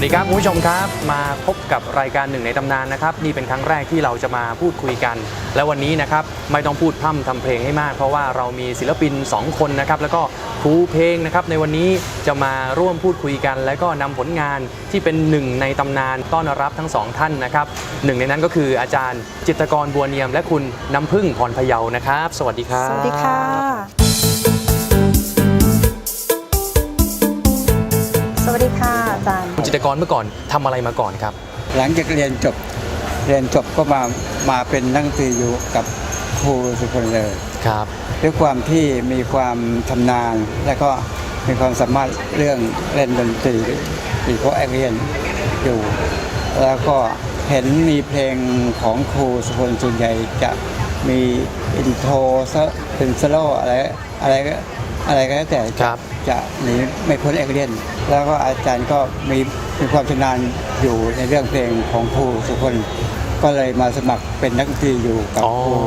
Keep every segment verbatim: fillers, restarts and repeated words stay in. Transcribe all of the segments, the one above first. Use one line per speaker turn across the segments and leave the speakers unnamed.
วัสดีครับคุณผู้ชมครับมาพบกับรายการหนึ่งในตำนานนะครับนี่เป็นครั้งแรกที่เราจะมาพูดคุยกันและวันนี้นะครับไม่ต้องพูดพร่ำทำเพลงให้มากเพราะว่าเรามีศิลปินสองคนนะครับแล้วก็ครูเพลงนะครับในวันนี้จะมาร่วมพูดคุยกันแล้วก็นำผลงานที่เป็นหนึ่งในตำนานต้อนรับทั้งสองท่านนะครับหนึ่งในนั้นก็คืออาจารย์จิตรกรบัวเนียมและคุณน้ำพึ่งพรพเยานะครับสวัสดีครับ
สวัสดีค่ะสวัสดีค่ะอาจารย์
คุณจิตรกรเมื่อก่อนทำอะไรมาก่อนครับ
หลังจากเรียนจบเรียนจบก็มามาเป็นนักดนตรีอยู่กับครูสุพลเลย
ครับ
ด้วยความที่มีความชำนาญและก็มีความสามารถเรื่องเล่นดนตรีอีโคแอคเรียนอยู่แล้วก็เห็นมีเพลงของครูสุพลส่วนใหญ่จะมีอินโทรเป็นสโลอะไรอะไรอะไรก็แล้วแต่จะหนีไม่พ้นแอคเรียนแล้วก็อาจารย์ก็มีมีความชำนาญอยู่ในเรื่องเพลงของครูสุพลก็เลยมาสมัครเป็นนักดนตรีอยู่กับครู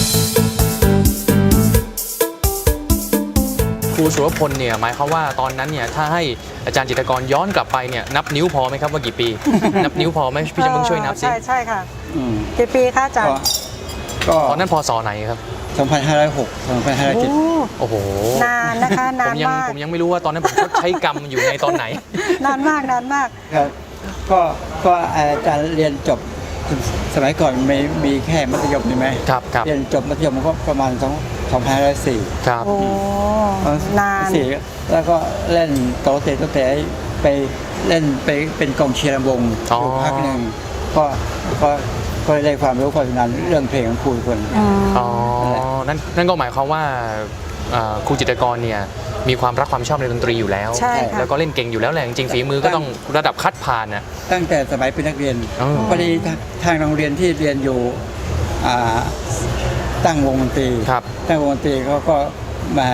ครูสุรพลเนี่ยหมายความว่าตอนนั้นเนี่ยถ้าให้อาจารย์จิตรกรย้อนกลับไปเนี่ยนับนิ้วพอไหมครับว่ากี่ปี นับนิ้วพอไหมพี่จะมึงช่วยนับสิ
ใช่ใช่ค่ะกี่ปีคะอาจารย์
ก็ตอนนั้นพศไหนครับ
สองพันห้าร้อยหก สองพันห้าร้อยเจ็ด
โอ้โห
นานนะคะนานมาก
ผมยังไม่รู้ว่าตอนนั้นผมใช้กรรมอยู่ในตอนไหน
นานมากนานมาก
ครับก็ก็อาจารย์เรียนจบสมัยก่อนมีมีแค่มัธยมใช่ไหม
ครับครับ
เรียนจบมัธยมก็ประมาณสองสองพันห้าร้อยสี่
ครับ
โอ้นาน
สี่แล้วก็เล่นโตเตะโตเตะไปเล่นไปเป็นกองเชียร์ลำวงอยู่พักหนึ่งก็ก็ก็ได้ความรู้ความชำนาญเรื่องเพลงของครูคน
อ๋อนั่นนั่นก็หมายความว่าครูจิตรกรเนี่ยมีความรักความชอบในดนตรีอยู่แล้วแล้วก็เล่นเก่งอยู่แล้วแหละจริงฝีมือก็ต้องระดับคัดผ่านนะ
ตั้งแต่สมัยเป็นนักเรียนพอดีทางโรงเรียนที่เรียนอยู่ตั้งวงดนตรีตั้งวงดนตรีเขาก็มา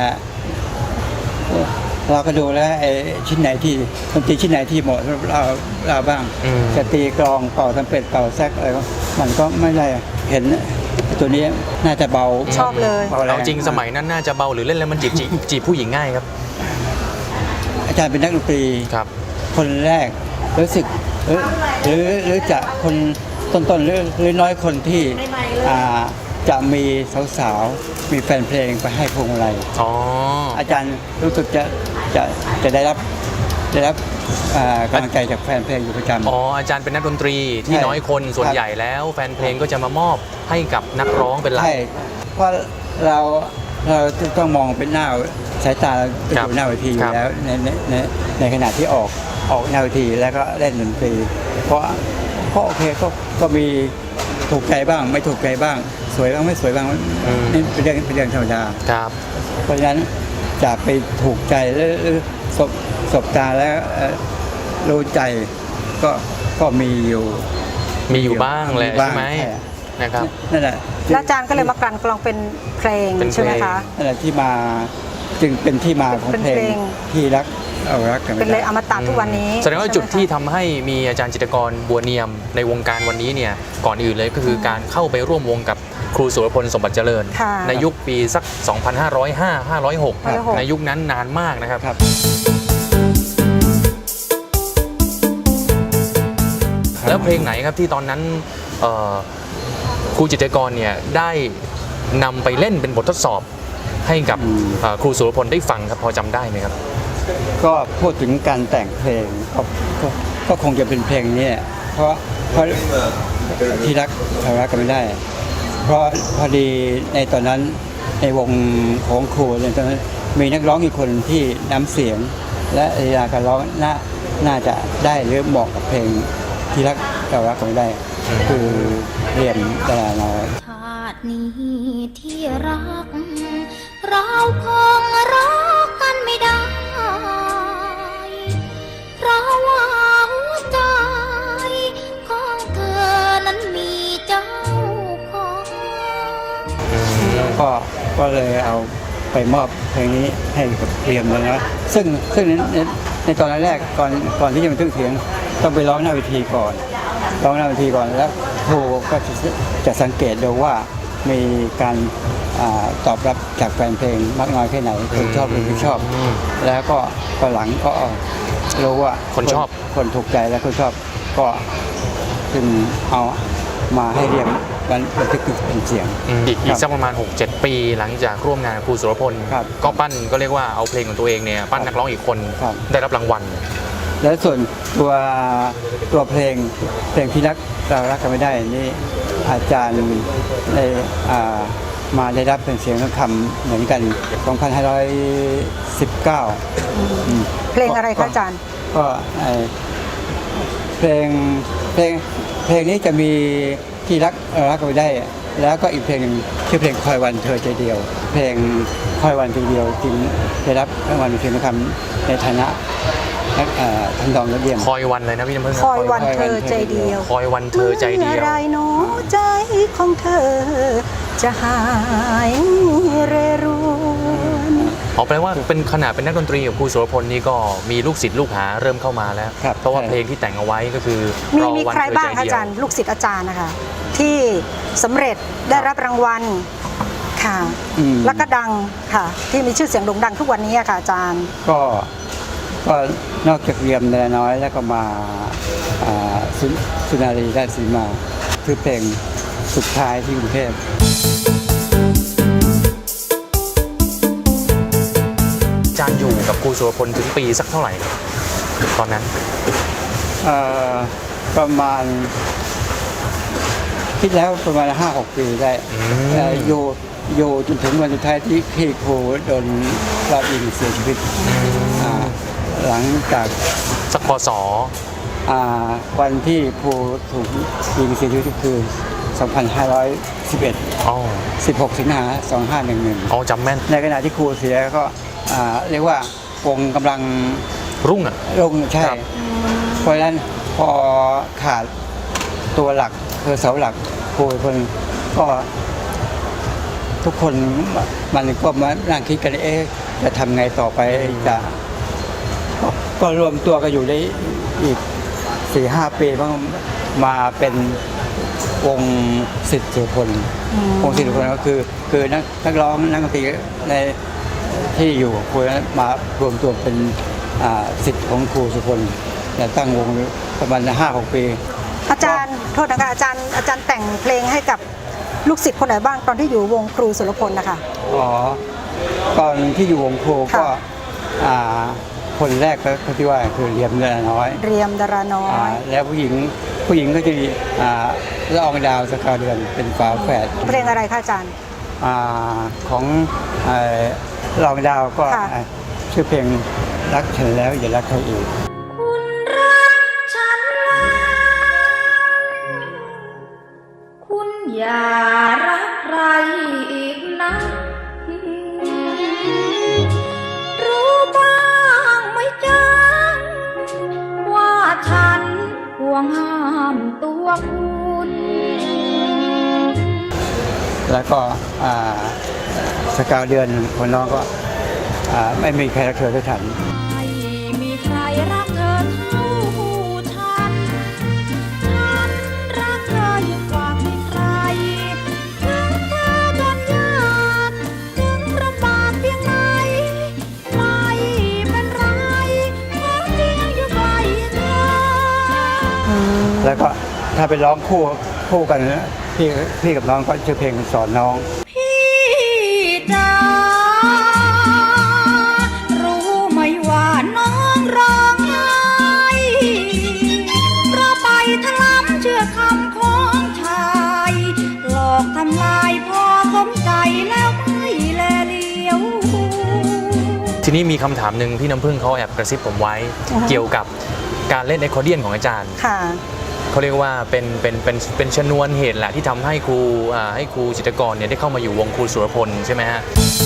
เราก็ดูแล้วไอ้ชิ้นไหนที่ดนตรีชิ้นไหนที่เหมาะเราเราบ้างจะตีกลองเป่าทำเป็ดเป่าแซกอะไรก็มันก็ไม่ได้เห็นตัวนี้น่าจะเบา
ชอบเลย
เอาจริงสมัยนั้นน่าจะเบาหรือเล่นแล้วมันจีบจีบผู้หญิงง่ายครับ
อาจารย์เป็นนักดนตรี
ครับ
คนแรกรู้สึกหรือหรือหรือจะคนต้นๆหรือหรือน้อยคนที่จะมีสาวๆมีแฟนเพลงไปให้พวงมาลัย
อ๋อ
อาจารย์รู้สึกจะจะจะได้รับได้รับกำลังใจจากแฟนเพลงอยู่ประจำ
อ๋ออาจารย์เป็นนักดนตรีที่น้อยคนส่วนใหญ่แล้วแฟนเพลงก็จะมามอบให้กับนักร้องเป็นหลัก
ใช่เพราะเราเราต้องมองเป็นหน้าสายตาอยู่หน้าเวทีอยู่แล้วในในในขณะที่ออกออกหน้าเวทีแล้วก็เล่นดนตรีเพราะก็โอเคก็ก็มีถูกใจบ้างไม่ถูกใจบ้างสวยบ้างไม่สวยบ้างนี่เป็นเรื่องเป็นเรื่องธรรมดา
ครับ
เพราะฉะนั้นจะไปถูกใจหรือสบสบตาแล้วรู้ใจก็ก็มีอยู่
มีอยู่บ้างแหละใช่ไหมนะครับ
นั่นแหละ
อาจารย์ก็เลยมากลั่นกรองเป็นเพลงใช่ไหมคะ
นั่นแหละที่มาจึงเป็นที่มาของเพลงที่รักเอารักกัน
เป็นเลยอมตะทุกวันนี้
แสดงว่าจุดที่ทำให้มีอาจารย์จิตรกรบัวเนียมในวงการวันนี้เนี่ยก่อนอื่นเลยก็คือการเข้าไปร่วมวงกับครูสุรพลสมบัติเจริญในยุคปีสักสองพันห้าร้อยห้า ห้าร้อยหกในยุคนั้นนานมากนะครับแล้วเพลงไหนครับที่ตอนนั้นครูจิตรกรเนี่ยได้นำไปเล่นเป็นบททดสอบให้กับครูสุรพลได้ฟังครับพอจำได้ไหมครับ
ก็พูดถึงการแต่งเพลงก็ก็คงจะเป็นเพลงนี้เพราะเพราะที่รักเรารักกันไม่ได้เพราะพอดีในตอนนั้นในวงของครูในตอนนั้นมีนักร้องอีกคนที่น้ำเสียงและเวลาการร้องน่าน่าจะได้หรือเหมาะกับเพลงที่รักเรารักกันไม่ได้คือเรียนดาราน้อย
ชาตินี้ที่รักเราคงรักกันไม่ได้เพราะว่าหัวใจของเธอนั้นมีเจ้าของ
ก็ก็เลยเอาไปมอบเพลงนี้ให้กับเรียมเลยนะซึ่งซึ่งในในตอนแรกก่อนก่อนที่จะมาถึงเสียงต้องไปร้องหน้าเวทีก่อนร้องหน้าเวทีก่อนแล้วครูก็จะสังเกตดูว่ามีการตอบรับจากแฟนเพลงมากน้อยแค่ไหนคนชอบหรือไม่ชอบแล้วก็ก็หลังก็รู้ว่า
คนชอบ
คนถูกใจและคนชอบก็จึงเอามาให้เรียงบันทึกเป็นเสียง
อืมอีกอี
ครั
ก
บ
สักประมาณ หกเจ็ด ปีหลังจากร่วมงานกับครูสุรพล
ครับ
ก็ปั้นก็เรียกว่าเอาเพลงของตัวเองเนี่ยปั้นนักร้องอีกคน
ครับ
ได้รับรางวัล
และส่วนตัวตัวเพลงเพลงที่รักเรารักกันไม่ได้นี่อาจารย์ได้อ่ามาได้รับเป็นเสียงทองคำเหมือนกัน สองพันห้าร้อยสิบเก้า อืม
เพลงอะไรคะอาจารย์
ก็ไอ้เพลงเพลงเพลงนี้จะมีที่รักเรารักกันไม่ได้ แล้วก็อีกเพลงหนึ่งชื่อเพลงคอยวันเธอใจเดียว เพลงคอยวันใจเดียวจึงได้รับรางวัลเพลงทองคำในฐานะนักเอ่อทำนองยอดเยี่ยม
คอยวันเลยนะพี่น้ำพึ่งนะ
คอยวันเธอใจเดียว
คอยวันเธอใจเดียว
มื่อไรหนอใจของเธอ จะหายเรรวน
อ๋อแปลว่าเป็นขนาดเป็นนักดนตรีของครูสุรพลนี่ก็มีลูกศิษย์ลูกหาเริ่มเข้ามาแล้ว
ครับ
เพราะว่า
ใช่
เพลงที่แต่งเอาไว้ก็คือ
มี
รอ
มี
วัน
ใคร
เธอ
บ้าง
ใจ
คะ
เดี
อา
ยว
จารย์ลูกศิษย์อาจารย์นะคะที่สำเร็จได้รับรางวัลค่ะ
อืม
แล้วก็ดังค่ะ ที่มีชื่อเสียงโด่งดังทุกวันนี้อะค่ะอาจารย์
ก็ก็นอกจากเรียมแนน้อยแล้วก็มาอ่าสุสุนารีราชสีมาคือเพลงสุดท้ายที่กรุงเทพ
อาจารย์อยู่กับครูสุรพลถึงปีสักเท่าไหร่ตอนนั้น
เอ่อประมาณคิดแล้วประมาณห้าหกปีได้
อืม
เอ่ออยู่อยู่จนถึงวันสุดท้ายที่พี่ครูโดนรอบยิงเสียชีวิตอ่าหลังจาก
สักพศ
อ่าวันที่ครูถูกยิงเสียชีวิตก็คือ สองพันห้าร้อยสิบเอ็ด
อ๋อ
สิบหก สิงหาสองห้าหนึ่งหนึ่ง
อ๋อจำแม่น
ในขณะที่ครูเสียก็อ่าเรียกว่าวงกำลัง
รุ่งอ่ะ
ลงใช่
ครับ
เพราะฉะนั้นพอขาดตัวหลักคือเสาหลักครูคนก็ทุกคนมันก็มานั่งคิดกันเอ๊ะจะทำไงต่อไปจะก็ก็รวมตัวกันอยู่ได้อีกสี่ห้าปีบ้างมาเป็นวงศิษย์สุรพลวงศิษย์สุรพลก็คือ คือนักนักร้องนักดนตรีในที่อยู่ครูนั้นมารวมตัวเป็นอ่าศิษย์ของครูสุรพลแต่ตั้งวงประมาณห้าหกปี
อาจารย์โทษนะคะอาจารย์อาจารย์แต่งเพลงให้กับลูกศิษย์คนไหนบ้างตอนที่อยู่วงครูสุรพลนะคะ
อ๋อตอนที่อยู่วงครูก็
ค่ะ
อ่าคนแรกก็ที่ว่าคือเรียมเรือน้อย
เรียมดาราน้อ
อ่าย แล้วผู้หญิงผู้หญิงก็จะมีอ่าละอองดาวสกาวเดือนเป็นฝาแฝด
เพลงอะไรคะอาจารย์
อ่าของอ่าละอองดาวก็
ค่ะ
อ่าชื่อเพลงรักฉันแล้วอย่ารักใครอีก
คุณรักฉันแล้วคุณอย่ารักใครอีกนะ รู้บ้างไหมจ๊ะว่าฉันห่วงห้ามตัวคุณ
แล้วก็อ่าสกาวเดือนคนน้องก็อ่าไม่มีใครรักเธอเท่าฉัน
ไม่มีใครรักเธอเท่าฉัน ฉันรักเธอยิ่งกว่าใครๆถึงเธอจนยากถึงลำบากเพียงไหนไม่เป็นไรขอเพียงอยู่ใกล้เธอ
แล้วก็ถ้าไปร้องคู่คู่กันนะพี่พี่กับน้องก็ชื่อเพลงสอนน้อง
พี่จ๋ารู้ไหมว่าน้องร้องไห้เพราะไปทะล้ำเชื่อคำของชายหลอกทำลายพอสมใจแล้วไม่แลเลี้ยว
ทีนี้มีคำถามหนึ่งพี่น้ำพึ่งเขาแอบกระซิบผมไว้
อือฮะ
เกี่ยวกับการเล่นไอคอร์เดียนของอาจารย์
ค่ะ
เขาเรียกว่าเป็นเป็นเป็นเป็นชนวนเหตุแหละที่ทำให้ครูอ่าให้ครูจิตรกรเนี่ยได้เข้ามาอยู่วงครูสุรพลใช่ไหมฮะ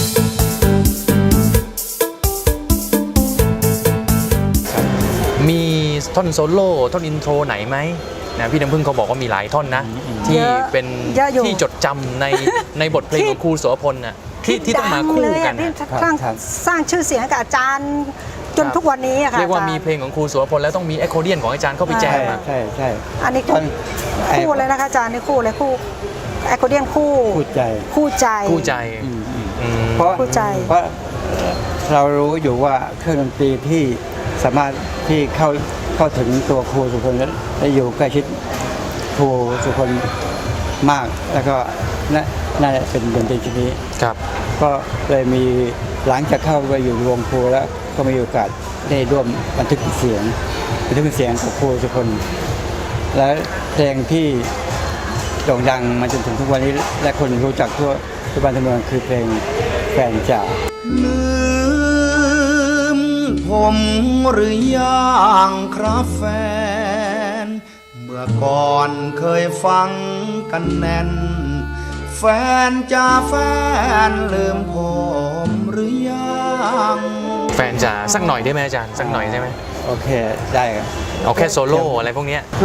มีท่อนโซโล่ท่อนอินโทรไหนไหมนะพี่น้ำพึ่งเขาบอกว่ามีหลายท่อนนะ ที่
เยอะ
เป็น
เยอะอยู่
ที่จดจำในในบทเพลงของครูสุรพลน่ะที่ที่ต้องมาคู่
ดัเลย
กั
อะ
น
ที่
น่ะ
สร้าง
ครับ
สร้างชื่อเสียงให้กับอาจารย์จน
ครับ
ทุกวันนี้อะค่ะ
เรียกว่า
อจ
มีเพลงของครูสุรพลแล้วต้องมีไอคอร์เดียนของอาจารย์เข้าไปแจ
ใช่
มอะ
ใช่ใช่
อันนี้
ตอนไอ้
คู่เลยนะคะอาจารย์นี่คู่เลยคู่แอคคอร์เดียนคู่
พูดใจ
คู่ใจ
คู่ใจ
อืมอืม
อืม
เพราะ
เข้าใจ
เพราะเรารู้อยู่ว่าเครื่องดนตรีที่สามารถที่เข้าเข้าถึงตัวครูสุคนและอยู่ใกล้ชิดครูสุคนมากแล้วก็น่าจะเป็นดนตรีชนิดนี้
ครับ
ก็เลยมีหลังจากเข้าไปอยู่วงครูแล้วก็มีโอกาสได้ร่วมบันทึกเสียงบันทึกเสียงกับครูสุคนและเพลงที่โด่งดังมาจนถึงทุกวันนี้และคนรู้จักทั่วทุกบ้านทั่วเมืองคือเพลงแฟนจ๋า
ลืมผมหรือยังครับแฟน เมื่อก่อนเคยฟังกันแน่น แฟนจ้าแฟนลืมผมหรือยัง
แฟนจ๋าสักหน่อยได้ไหมอาจารย์สักหน่อยได้ไหม
โอเคได้ครับ
เอาแค่โซโล่อะไรพวกเนี้ย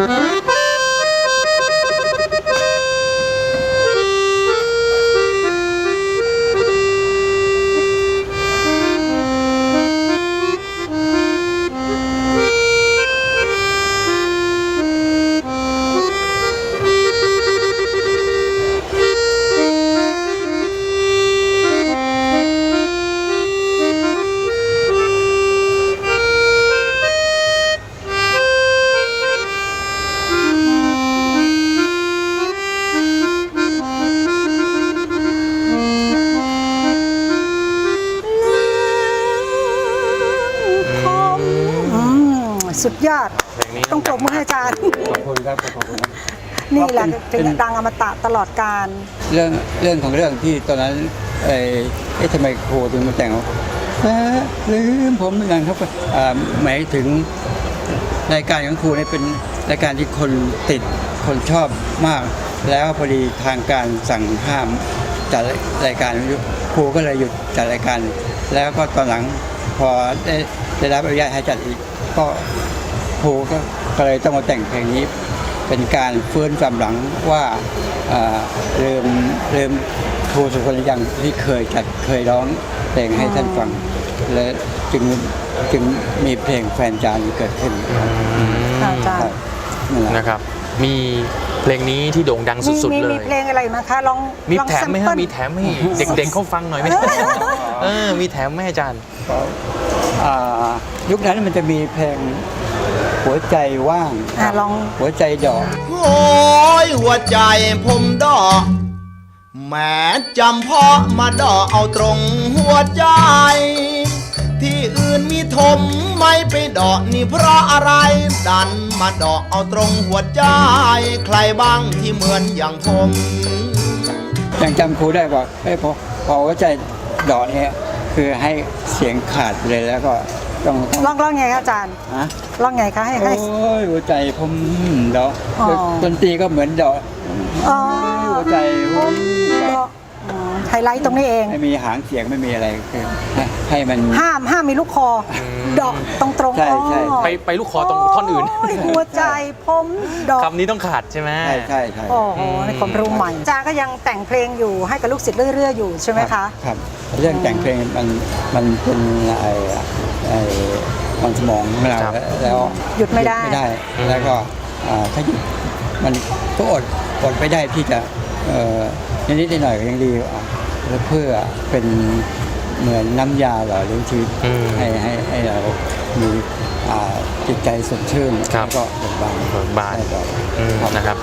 สุดยอด
เพลงนี้
ต้องปรบมือให้อาจารย์
ขอบคุณครับขอบคุณครับ
นี่แหละ
เป็
เป็น
น
ดังอมตะตลอดกาล
เรื่องเรื่องของเรื่องที่ตอนนั้นเอ่อเอ๊ะทำไมครูถึงมาแต่งว่าแฟนลืมผมเหมือนกันครับอ่าหมายถึงรายการของครูเนี่ยเป็นรายการที่คนติดคนชอบมาก แล้วพอดีทางการสั่งห้ามจัดรายการครูก็เลยหยุดจัดรายการ แล้วก็ตอนหลังพอได้ได้รับอนุญาตให้จัดอีกก็ครูก็ก็เลยต้องมาแต่งเพลงนี้ เป็นการฟื้นความหลังว่าเอ่อเริ่มเริ่มครูสุคนยังที่เคยจัดเคยร้องเพลงให้ท่านฟัง และจึงจึงมีเพลงแฟนจานเกิดขึ้น
ค่ะอาจาร
ครั
ย์
บนั่นแหละ
นะครับ มีเพลงนี้ที่โด่งดัง
มี
สุด
มี
ๆ เล
มี
ย
เพลงอะไรมั้งคะลอง
มี
ลอง
แถมไหม
แซ
ฮะ
เปิล
มีแถมให้เด็กๆเขาฟังหน่อยไหมเออมีแถมไหมอาจารย์
อ่ายุคนั้นมันจะมีเพลงหัวใจว่าง
อ่ะลอง
หัวใจดอก
โอ้ยหัวใจผมดอกแม้จำเพาะมาดอกเอาตรงหัวใจ ที่อื่นมีถมไม่ไปดอกนี่เพราะอะไร ดันมาดอกเอาตรงหัวใจ ใครบ้างที่เหมือนอย่างผม
ยังจำครูได้ว่าเอ้ยพอพอหัวใจดอกเนี่ยคือให้เสียงขาดไปเลยแล้วก็ต้องต้อง
ลองลองไงคะอาจารย์
ฮะ
ลองไงคะให้
โอ้
ให้
ยหัวใจผมดอก
อ๋อ
ดนตรีก็เหมือนดอก
อ๋อ
หัวใจผมดอก
อืมไฮไลท์ตรงนี้เอง
ไม่มีหางเสียงไม่มีอะไรคือให้ให้มัน
ห้ามห้ามมีลูกคออดอกตรงตรงๆ
ใช่ใช่
อ๋อ
ไปไปลูกคอตรงท่อนอื่น
โยหัวใจผมดอก
คำนี้ต้องขาดใช่ไหม
ใช่ใช่ใช่
โอ้โหในความรู้ใหม่อาจารย์ก็ยังแต่งเพลงอยู่ให้กับลูกศิษย์เรื่อยๆอยู่ใช่ไหม
รั
คะ
บครับ เรื่องแต่งเพลงมันมันเป็นไอ้ไอ้มันสมองของเรา
ครับ
แล้ว
หยุดไม่ได้
ไม่ได้ แล้วก็อ่าถ้าหยุดมันก็อดอดไม่ได้ที่จะเอ่อนิดๆหน่อยๆก็ยังดีอ่ะแล้วเพื่อเป็นเหมือนน้ำยาหล่อเลี้ยงชีวิต
อืม
ให้ให้ให้เรามีอ่าจิตใจสดชื่น
ครับ
แล้วก็เบิกบาน
เบิกบาน
ได้ต่อ
อืม
ครับ
นะครับ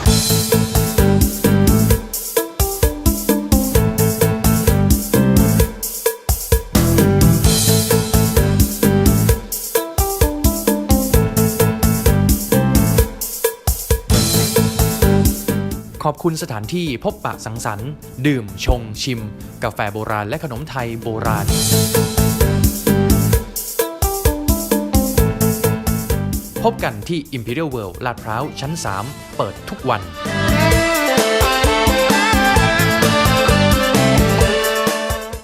ขอบคุณสถานที่พบปะสังสรรค์ ดื่มชงชิม กาแฟโบราณและขนมไทยโบราณ พบกันที่ Imperial World ลาดพร้าวชั้น สาม เปิดทุกวัน